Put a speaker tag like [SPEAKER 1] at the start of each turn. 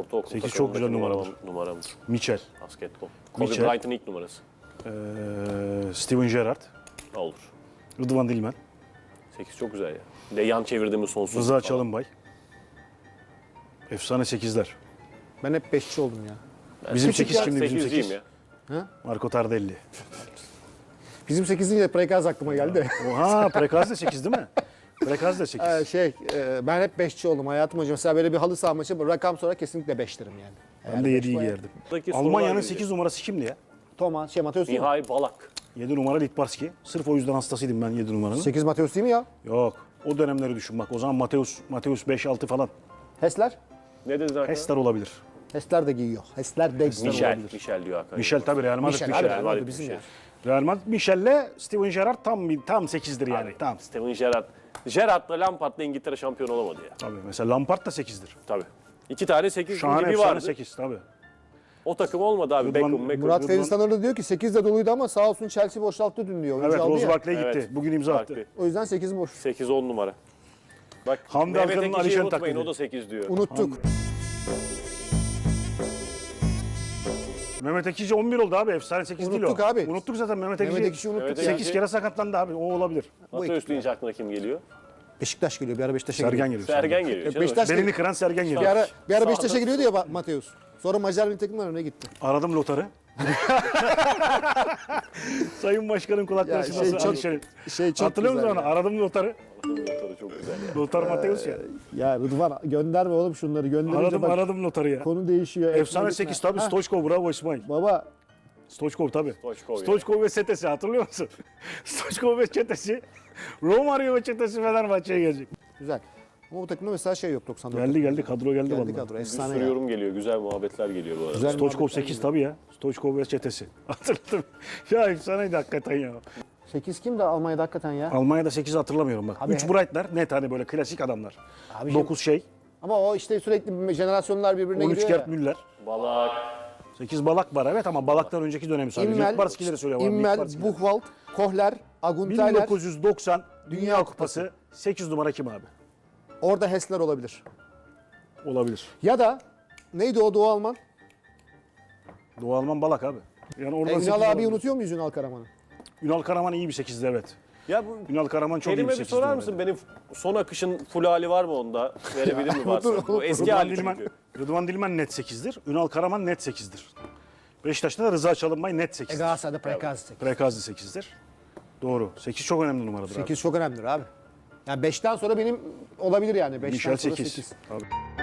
[SPEAKER 1] Ortaokul
[SPEAKER 2] 8 çok güzel
[SPEAKER 1] numaramdır.
[SPEAKER 2] Mitchell.
[SPEAKER 1] Basketbol. Kobe
[SPEAKER 2] Mitchell.
[SPEAKER 1] Bryant'ın ilk numarası.
[SPEAKER 2] Steven Gerrard.
[SPEAKER 1] Ne olur.
[SPEAKER 2] Rıdvan Dilmen.
[SPEAKER 1] 8 çok güzel ya. Bir de yan çevirdiğimiz sonsuz.
[SPEAKER 2] Rıza Çalınbay. Efsane 8'ler.
[SPEAKER 3] Ben hep 5'çi oldum ya.
[SPEAKER 2] Bizim 8 kimdi? Bizim
[SPEAKER 1] 8'ciyim
[SPEAKER 2] 8.
[SPEAKER 1] ya.
[SPEAKER 2] Marco Tardelli.
[SPEAKER 3] Bizim 8'in de Prekaz aklıma geldi.
[SPEAKER 2] Oha, Prekaz da 8 değil mi? Prekaz da 8.
[SPEAKER 3] Ben hep 5'çi oldum hayatım hocam. Mesela böyle bir halı saha maçı rakam sonra kesinlikle 5 derim yani.
[SPEAKER 2] Ben de 7'yi giyerdim.
[SPEAKER 1] Buradaki sorular
[SPEAKER 2] Almanya'nın
[SPEAKER 1] gelecek.
[SPEAKER 2] 8 numarası kimdi ya?
[SPEAKER 3] Thomas, Mateus değil mi?
[SPEAKER 1] Mihai Balak.
[SPEAKER 2] 7 numara Litbarski. Sırf o yüzden hastasıydım ben 7 numaranın.
[SPEAKER 3] 8 Mateus değil mi ya?
[SPEAKER 2] Yok. O dönemleri düşün bak. O zaman Mateus 5-6 falan.
[SPEAKER 3] Hesler?
[SPEAKER 1] Ne dedin Hakan?
[SPEAKER 2] Hesler olabilir.
[SPEAKER 3] Hesler de giyiyor. Hesler de giyiyor.
[SPEAKER 1] Michel diyor Hakan.
[SPEAKER 2] Michel tabii Real Madrid.
[SPEAKER 3] Michel abi,
[SPEAKER 2] Michel.
[SPEAKER 3] Real Madrid bizim ya.
[SPEAKER 2] Real Madrid Michel'le Steven Gerrard tam 8'dir yani.
[SPEAKER 1] Abi,
[SPEAKER 2] Tam.
[SPEAKER 1] Steven Gerrard. Gerrard'la Lampard'la İngiltere şampiyon olamadı ya.
[SPEAKER 2] Tabii mesela Lampard da 8'dir.
[SPEAKER 1] Tabii. 2 tane 8
[SPEAKER 2] Şahane
[SPEAKER 1] gibi
[SPEAKER 2] efsane
[SPEAKER 1] vardı.
[SPEAKER 2] 8 tabii.
[SPEAKER 1] O takım olmadı abi. Beckham.
[SPEAKER 3] Murat Fevzi Tanrı diyor ki 8 de doluydu ama sağ olsun Chelsea boşalttı dün diyor. Oyuncu
[SPEAKER 2] Evet
[SPEAKER 3] aldı
[SPEAKER 2] Rose
[SPEAKER 3] ya.
[SPEAKER 2] Barkley gitti.
[SPEAKER 1] Evet.
[SPEAKER 2] Bugün imza attı.
[SPEAKER 3] O yüzden 8 boş.
[SPEAKER 1] 8-10 numara. Bak
[SPEAKER 2] Hamdi
[SPEAKER 1] Mehmet
[SPEAKER 2] Alkan'ın
[SPEAKER 1] Ekici'yi
[SPEAKER 2] Alişan
[SPEAKER 1] unutmayın,
[SPEAKER 2] taklidi.
[SPEAKER 1] o da 8 diyor.
[SPEAKER 3] Unuttuk.
[SPEAKER 2] Mehmet Ekici 11 oldu abi. Efsane 8 değil o.
[SPEAKER 3] Unuttuk abi.
[SPEAKER 2] Unuttuk zaten Mehmet
[SPEAKER 3] Mehmet
[SPEAKER 2] Ekici.
[SPEAKER 3] Ekşi unuttuk
[SPEAKER 1] Evet,
[SPEAKER 3] ya.
[SPEAKER 2] 8 kere sakatlandı abi. O olabilir.
[SPEAKER 1] Mateus deyince aklına kim geliyor?
[SPEAKER 3] Beşiktaş geliyor. Bir ara Beşiktaş'a geliyor.
[SPEAKER 2] Sergen geliyor.
[SPEAKER 1] Sergen geliyor. canım.
[SPEAKER 3] Beşiktaş
[SPEAKER 2] Belini kıran Sergen geliyor.
[SPEAKER 3] bir ara
[SPEAKER 1] Sağda.
[SPEAKER 3] Beşiktaş'a geliyordu ya Mateus. Sonra Macar milli takımlar önüne gitti.
[SPEAKER 2] Aradım Lotar'ı. Sayın Başkanım kulakları
[SPEAKER 3] Ya
[SPEAKER 2] çınlasın.
[SPEAKER 3] çok-
[SPEAKER 2] Alişan'ın.
[SPEAKER 3] çok
[SPEAKER 2] Hatırlıyor musun
[SPEAKER 3] güzel
[SPEAKER 2] onu?
[SPEAKER 3] ya.
[SPEAKER 2] Aradım Lotar'ı.
[SPEAKER 1] Lotarı çok güzel ya.
[SPEAKER 2] Lotar Mateus ya.
[SPEAKER 3] Ya Rıdvan gönderme oğlum şunları. Gönderince
[SPEAKER 2] Aradım Lotar'ı ya.
[SPEAKER 3] konu değişiyor.
[SPEAKER 2] Efsane
[SPEAKER 3] Ekmek
[SPEAKER 2] 8
[SPEAKER 3] gitme.
[SPEAKER 2] tabii.
[SPEAKER 3] Ha,
[SPEAKER 2] Stoichkov bravo İsmail.
[SPEAKER 3] Baba
[SPEAKER 2] Stoichkov tabii.
[SPEAKER 1] Stoichkov ya.
[SPEAKER 2] Stoichkov ve çetesi hatırlıyor musun? Stoichkov ve çetesi. Romario ve çetesi Fenerbahçe'ye gelecek.
[SPEAKER 3] güzel. Ama bu takımda mesela şey yok 94.
[SPEAKER 2] Geldi kadro geldi
[SPEAKER 3] Geldi
[SPEAKER 2] vallahi.
[SPEAKER 3] kadro.
[SPEAKER 1] Bir
[SPEAKER 3] Efsane
[SPEAKER 1] sürü
[SPEAKER 3] ya.
[SPEAKER 1] yorum geliyor. Güzel muhabbetler geliyor bu arada.
[SPEAKER 3] Güzel
[SPEAKER 2] Stoichkov
[SPEAKER 3] muhabbetler
[SPEAKER 2] 8
[SPEAKER 3] geliyor.
[SPEAKER 2] tabii ya. Stoichkov ve çetesi. Hatırladım. Ya efsaneydi hakikaten ya.
[SPEAKER 3] 8 kim de Almanya'da hakikaten ya?
[SPEAKER 2] Almanya'da 8'i hatırlamıyorum bak.
[SPEAKER 3] Abi
[SPEAKER 2] 3 Bright'ler net hani böyle klasik adamlar.
[SPEAKER 3] Abi
[SPEAKER 2] 9 şey.
[SPEAKER 3] Ama o işte sürekli jenerasyonlar birbirine
[SPEAKER 2] 13
[SPEAKER 3] giriyor
[SPEAKER 2] Gerd
[SPEAKER 3] ya.
[SPEAKER 2] Müller.
[SPEAKER 1] Balak.
[SPEAKER 2] 8 Balak var evet ama Balak'tan önceki dönemi sadece.
[SPEAKER 3] İmmel,
[SPEAKER 2] Litbarski'leri söylüyorum.
[SPEAKER 3] İmmel, Buchwald, Kohler, Aguntayler.
[SPEAKER 2] 1990 Dünya Kupası 8 numara kim abi?
[SPEAKER 3] Orada Hessler olabilir.
[SPEAKER 2] Olabilir.
[SPEAKER 3] Ya da neydi o Doğu Alman?
[SPEAKER 2] Doğu Alman Balak abi. Yani oradan 8
[SPEAKER 3] Ünal abi
[SPEAKER 2] olabilir.
[SPEAKER 3] unutuyor muyuz Ünal Karaman'ı?
[SPEAKER 2] Ünal Karaman iyi bir 8'di evet.
[SPEAKER 1] Ya bu
[SPEAKER 2] Ünal Karaman çok iyi
[SPEAKER 1] kelime
[SPEAKER 2] bir
[SPEAKER 1] bir
[SPEAKER 2] 8'di.
[SPEAKER 1] sorar mısın? Benim son akışın full hali var mı onda? Verebilir mi varsa? Bu eski
[SPEAKER 2] Rıdvan
[SPEAKER 1] hali
[SPEAKER 2] Dilmen,
[SPEAKER 1] çünkü.
[SPEAKER 2] Rıdvan Dilmen net 8'dir. Ünal Karaman net 8'dir. Beşiktaş'ta da Rıza Çalınbay net 8'dir.
[SPEAKER 3] Galatasaray'da Prekaz.
[SPEAKER 2] Prekazi 8'dir. Doğru. 8 çok önemli numaradır abi.
[SPEAKER 3] 8 çok önemlidir abi. Yani 5'ten sonra benim olabilir yani. 5'ten
[SPEAKER 2] Michel
[SPEAKER 3] sonra
[SPEAKER 2] 8.
[SPEAKER 3] 8.
[SPEAKER 2] Abi.